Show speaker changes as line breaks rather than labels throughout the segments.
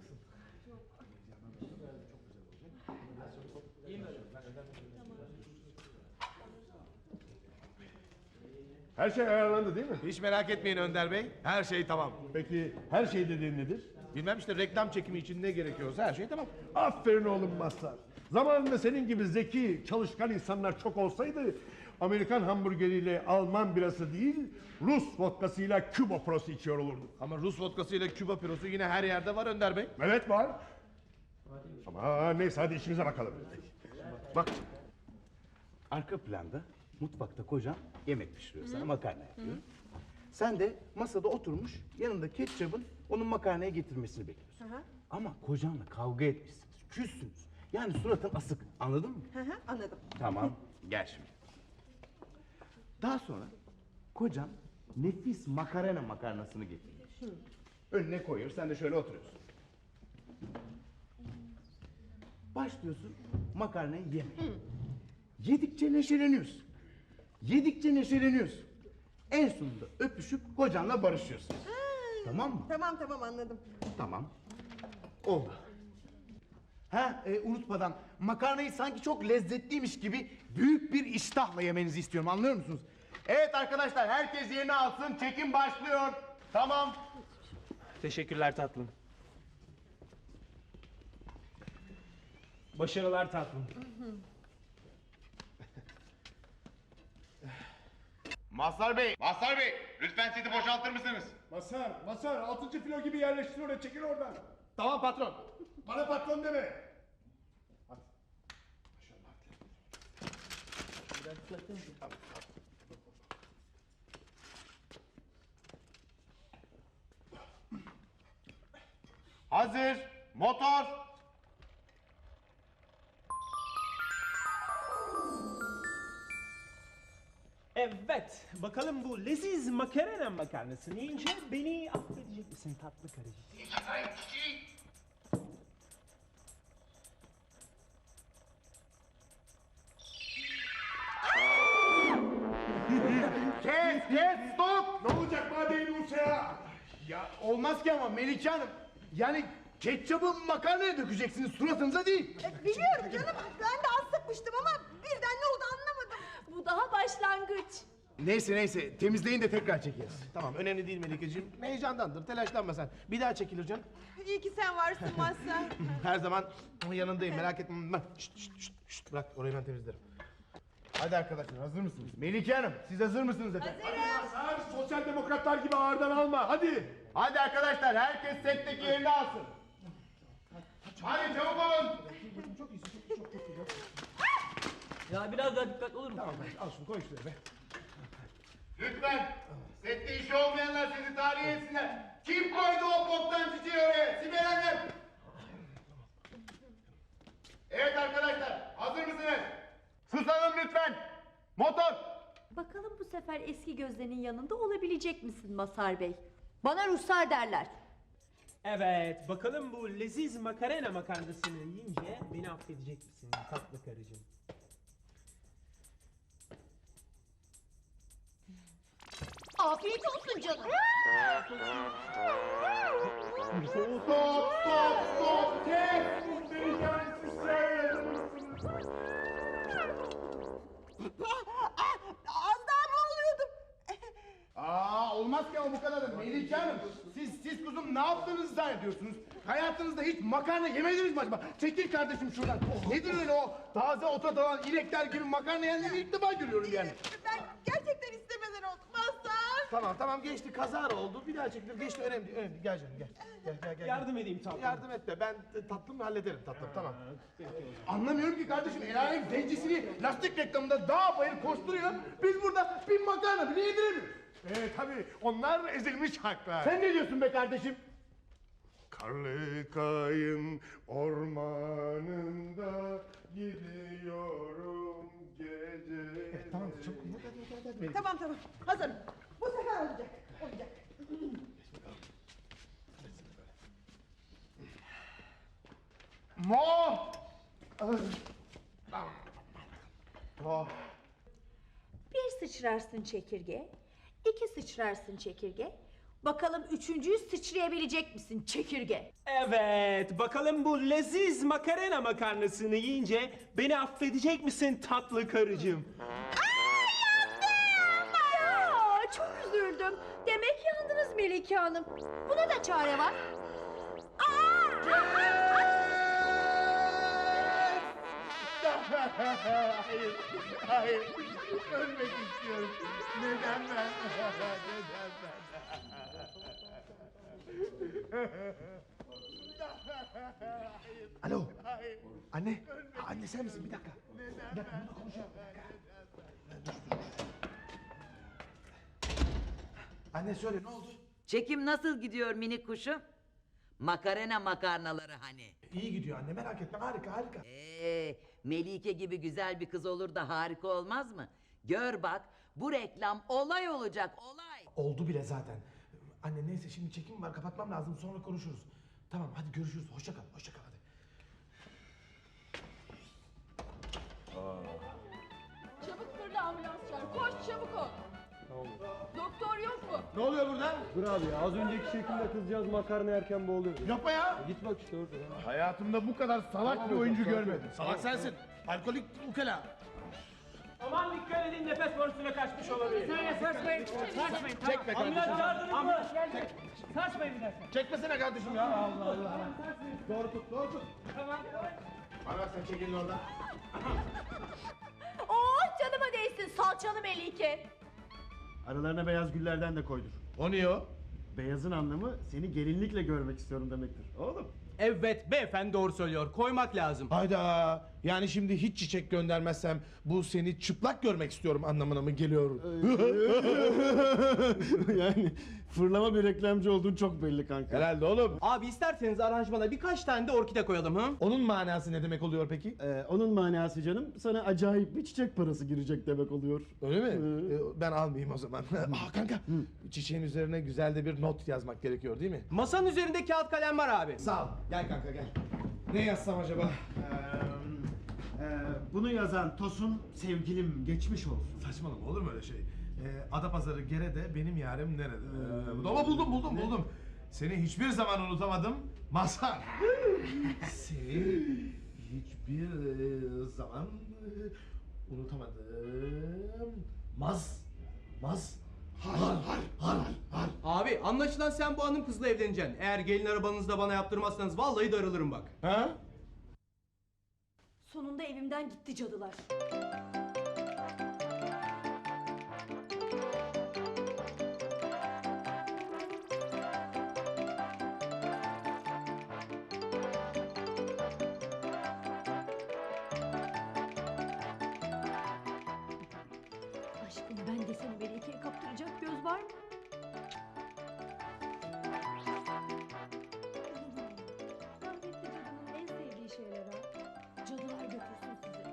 Her şey ayarlandı değil mi?
Hiç merak etmeyin Önder Bey. Her şey tamam.
Peki her şey dediğin nedir?
Bilmem işte reklam çekimi için ne gerekiyorsa her şey tamam.
Aferin oğlum Mazhar. Zamanında senin gibi zeki, çalışkan insanlar çok olsaydı Amerikan hamburgeriyle Alman birası değil, Rus vodkasıyla Küba prosu içiyor olurduk.
Ama Rus vodkasıyla Küba pirosu yine her yerde var Önder Bey.
Evet var. Ama neyse hadi işimize bakalım.
Bak. Arka planda mutfakta kocan yemek pişiriyor sana, makarna yapıyor. Sen de masada oturmuş yanında ketçabın onun makarnaya getirmesini bekliyorsun. Ama kocanla kavga etmişsiniz, küssünüz. Yani suratın asık, anladın mı?
Anladım.
Tamam, gel şimdi. Daha sonra kocan nefis makarnasını getiriyor. Önüne koyuyor, sen de şöyle oturuyorsun. Başlıyorsun makarnayı yemeye. Yedikçe neşeleniyorsun. Yedikçe neşeleniyorsun. En sonunda öpüşüp kocanla barışıyorsun. Tamam mı?
Tamam anladım.
Tamam. Oldu. Unutmadan makarnayı sanki çok lezzetliymiş gibi büyük bir iştahla yemenizi istiyorum, anlıyor musunuz? Evet arkadaşlar, herkes yerini alsın, çekim başlıyor. Tamam.
Teşekkürler tatlım. Başarılar tatlım.
Mazhar Bey, lütfen seti boşaltır mısınız?
Mazhar 6. filo gibi yerleştir oraya, çekil oradan.
Tamam patron.
Bana patron deme.
Hazır, motor.
Evet, bakalım bu leziz makarna makarnasını yiyince beni affedecek misin tatlı karıcığım?
Kes, stop!
Ne olacak madeyi Rusya'ya?
Ya olmaz ki ama Melike Hanım. Yani ketçabı makarnaya dökeceksiniz, suratınıza değil.
Biliyorum canım. Ben de az sıkmıştım ama birden ne oldu anlamadım.
Bu daha başlangıç.
Neyse, temizleyin de tekrar çekeriz.
Tamam önemli değil Melikeciğim. Heyecandandır, telaşlanma sen. Bir daha çekilir canım.
İyi ki sen varsın Mazhar.
Her zaman yanındayım, merak etme. Şşt, bırak orayı ben temizlerim.
Hadi arkadaşlar, hazır mısınız? Melike Hanım, siz hazır mısınız efendim?
Mazhar sosyal demokratlar gibi ağırdan alma, hadi.
Hadi arkadaşlar, herkes setteki yerini alsın.
Hadi çabuk olun.
Ya biraz daha dikkatli olur mu?
Tamam al şunu koy şuraya be.
Lütfen, sette işi olmayanlar sizi tahliye etsinler. Kim koydu o boktan çiçeği oraya? Sibel Hanım. Evet arkadaşlar, hazır mısınız? Susalım lütfen. Motor.
Bakalım bu sefer eski gözlerinin yanında olabilecek misin Mazhar Bey? Bana ruhsar derler.
Evet, bakalım bu leziz makarna makarnasını yiyince beni affedecek misin tatlı karıcığım?
Afiyet olsun canım.
Stop, kes.
Az daha boğuluyordum.
Olmaz ki ama bu kadar da Melike Hanım. Siz kuzum ne yaptığınızı zannediyorsunuz? Hayatınızda hiç makarna yemediniz mi acaba? Çekil kardeşim şuradan. Nedir öyle o taze ota dalan inekler gibi makarna yiyenleri ilk defa görüyorum yani.
Ben gerçekten istemeden oldu Mazhar.
Tamam geçti, kazara oldu. Bir daha çekilir, geçti, önemli değil. Gel canım gel.
Yardım edeyim tatlım.
Yardım et de ben tatlımı hallederim tatlım, tamam.
Anlamıyorum ki kardeşim, el alem zencisini lastik reklamında dağ bayır koşturuyor. Biz burada bir makarna bile yediremiyoruz.
Tabii onlar ezilmiş haklar.
Sen ne diyorsun be kardeşim?
Karlı kayın ormanında gidiyorum gece.
Tamam çabuk. Hadi.
Tamam hazırım. Bu sefer olacak.
Mo!
Bir sıçrarsın çekirge, iki sıçrarsın çekirge, Bakalım üçüncüyü sıçrayabilecek misin çekirge?
Evet, bakalım bu leziz makarena makarnasını yiyince beni affedecek misin tatlı karıcığım?
Aa, çok üzüldüm. Demek yandınız Melike Hanım. Buna da çare var.
Hayır, hayır. Ölmek istiyorum. Neden ben? Neden ben?
Alo. Anne. Anne sen misin? Bir dakika. Bir dakika bununla konuşalım. Anne söyle ne oldu?
Çekim nasıl gidiyor minik kuşum? Makarena makarnaları hani.
İyi gidiyor anne merak etme harika harika.
Melike gibi güzel bir kız olur da harika olmaz mı? Gör bak bu reklam olay olacak olay.
Oldu bile zaten. Anne neyse şimdi çekim var kapatmam lazım sonra konuşuruz. Tamam hadi görüşürüz hoşça kal hoşça kal hadi.
Çabuk fırla ambulans çağır. Koş çabuk ol. Doktor yok mu?
Ne oluyor burada?
Dur abi ya, az önceki şekilde kızcağız makarna yerken boğuluyor.
Yapma ya.
Git bak işte orada.
Hayatımda bu kadar salak bir oyuncu görmedim.
Salak sensin. Alkolik ukala.
Aman dikkat edin, nefes borusuna kaçmış olabilir.
Çekme kardeşim.
Ambulans geldi. Saçmayın bir dakika.
Çekmesene kardeşim ya. Allah Allah. Doğru tut doğru tut.
Bana sen çekilin oradan.
Oh canıma değsin salçalı Melike.
Aralarına beyaz güllerden de koydur.
O niye o?
Beyazın anlamı seni gelinlikle görmek istiyorum demektir. Oğlum.
Evet, beyefendi doğru söylüyor. Koymak lazım.
Hayda. Yani şimdi hiç çiçek göndermezsem bu seni çıplak görmek istiyorum anlamına mı geliyor?
Yani fırlama bir reklamcı olduğun çok belli kanka.
Herhalde oğlum.
Abi isterseniz aranjmana birkaç tane de orkide koyalım ha?
Onun manası ne demek oluyor peki?
Onun manası canım sana acayip bir çiçek parası girecek demek oluyor.
Öyle mi? Ben almayayım o zaman. Aa kanka. Çiçeğin üzerine güzel de bir not yazmak gerekiyor değil mi?
Masanın üzerinde kağıt kalem var abi.
Sağ ol. Gel kanka gel. Ne yazsam acaba?
Bunu yazan Tosun sevgilim geçmiş olsun.
Saçmalama olur mu öyle şey? Adapazarı Gere'de benim yarim nerede? Ama buldum. Seni hiçbir zaman unutamadım. Mazhar. Seni hiçbir zaman unutamadım. Har.
Abi anlaşılan sen bu hanım kızla evleneceksin. Eğer gelin arabanızda bana yaptırmazsanız vallahi darılırım bak.
Ha?
Sonunda evimden gitti cadılar. Aşkım ben de seni Melike'ye kaptıracak göz var mı? Rahmetli cadının en sevdiği şeyler ha. Cadılar götürsün sizi.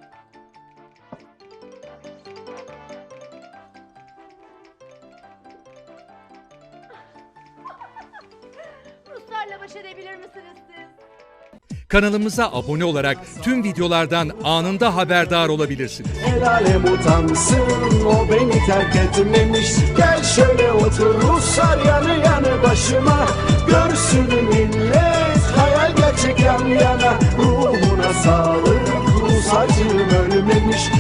Ruslarla baş edebilir misiniz siz?
Kanalımıza abone olarak tüm videolardan anında haberdar olabilirsiniz.
El alem utansın o beni terk etmemiş. Gel şöyle otur Ruslar yanı yanı başıma. Görsün millet hayal gerçek yan yana. Ruhuna sağlık Rus acım ölmemiş.